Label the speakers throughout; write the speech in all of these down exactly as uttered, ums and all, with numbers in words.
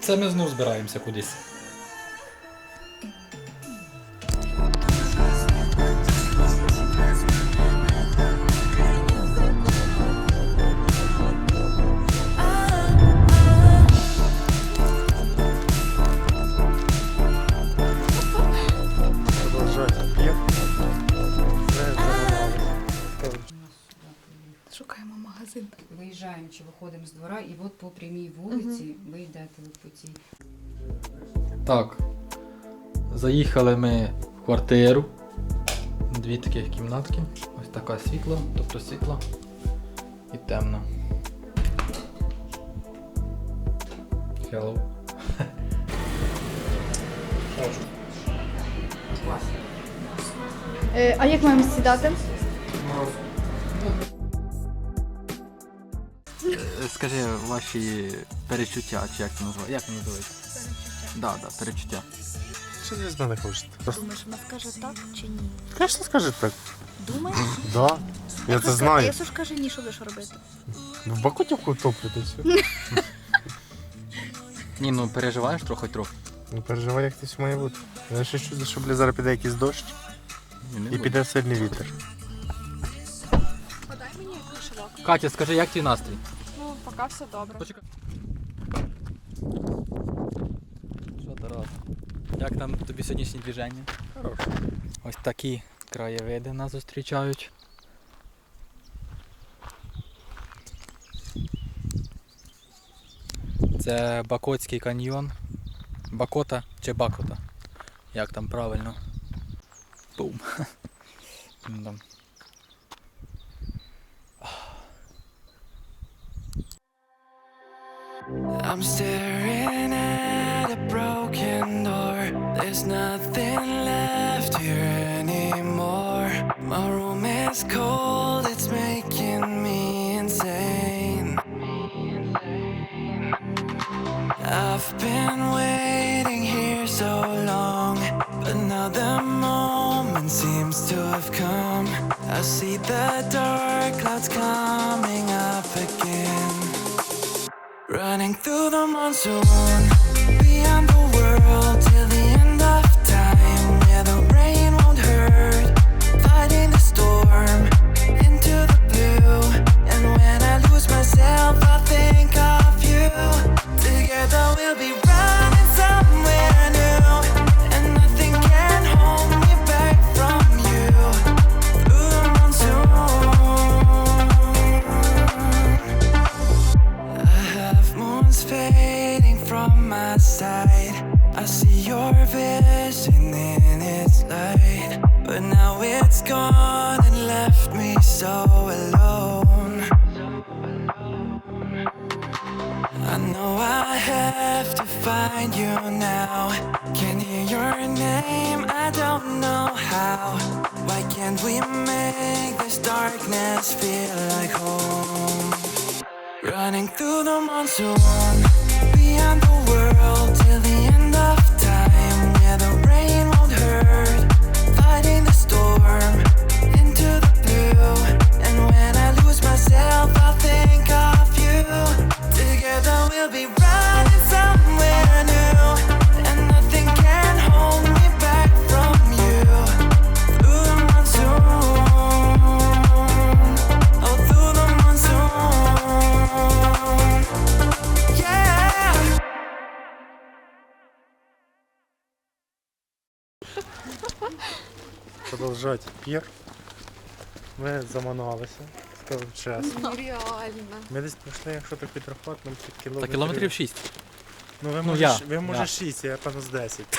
Speaker 1: Це ми знов збираємося кудись.
Speaker 2: Шукаємо магазин.
Speaker 3: Виїжджаємо чи виходимо з двора, і от по прямій вулиці угу. ви йдете по цій.
Speaker 1: Так, заїхали ми в квартиру. Дві таких кімнатки. Ось така світла, тобто світла і темна. Hello.
Speaker 2: Е, а як маємо сідати?
Speaker 1: Скажи ваші перечуття, чи як це називається? Як це називається?
Speaker 4: Перечуття.
Speaker 1: Да, да, перечуття.
Speaker 5: Що ви з мене хочете?
Speaker 4: Думаєш, вона скаже так чи ні?
Speaker 5: Звісно, скаже так.
Speaker 4: Думаєш?
Speaker 5: Да. Я це
Speaker 4: А
Speaker 5: знаю.
Speaker 4: якщо скаже ні, що будеш робити?
Speaker 5: В Бакутівку топлю, то все.
Speaker 1: Ні, ну переживаєш трохи трохи.
Speaker 5: Не переживай, як це все має бути. Я ще чую, що бля, зараз піде якийсь дощ і піде сильний вітер.
Speaker 2: Подай мені кошелок.
Speaker 1: Катя, скажи, як твій настрій?
Speaker 2: Ну, поки все добре.
Speaker 1: Почекай. Що, Тарас? Як там тобі сьогоднішнє движення?
Speaker 5: Хороше.
Speaker 1: Ось такі краєвиди нас зустрічають. Це Бакотський каньйон. Бакота чи Бакота? Як там правильно? Бум. Да.
Speaker 6: I'm staring at a broken door. There's nothing left here anymore. My room is cold, it's making me insane. I've been waiting here so long, but now the moment seems to have come. I see the dark clouds coming up again. Running through the monsoon, beyond the world till the end of time, where the rain won't hurt, fighting the storm into the blue. And when I lose myself, I'll think of you. Together we'll be running somewhere new, and nothing can hold me back from you. Through the monsoon, I have moons fading from my side. I see your vision in its light, but now it's gone and left me so alone. I know I have to find you now. Can hear your name, I don't know how. Why can't we make this darkness feel like home? Running through the monsoon, beyond the world till the end of time, where the rain won't hurt, fighting the storm into the blue. And when I lose myself, I'll think of you. Together we'll be running somewhere new, and nothing can hold me back from you. Through the monsoon, oh through the monsoon, yeah.
Speaker 5: Продовжать пір. Ми заманалися, скажу чесно.
Speaker 2: Нереально.
Speaker 5: Ми десь пройшли, якщо так підрахувати, нам під
Speaker 1: Та
Speaker 5: кілометрів.
Speaker 1: кілометрів шість.
Speaker 5: Ну ви
Speaker 1: Ну,
Speaker 5: може,
Speaker 1: я.
Speaker 5: ш- ви може
Speaker 1: Я.
Speaker 5: шість, я певно з десять.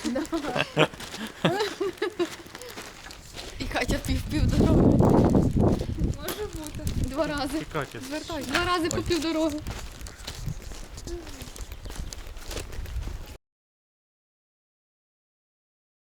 Speaker 2: І Катя пів пів дороги. Може бути. Два рази.
Speaker 5: І Катя.
Speaker 2: Звертай. Два рази по пів дороги.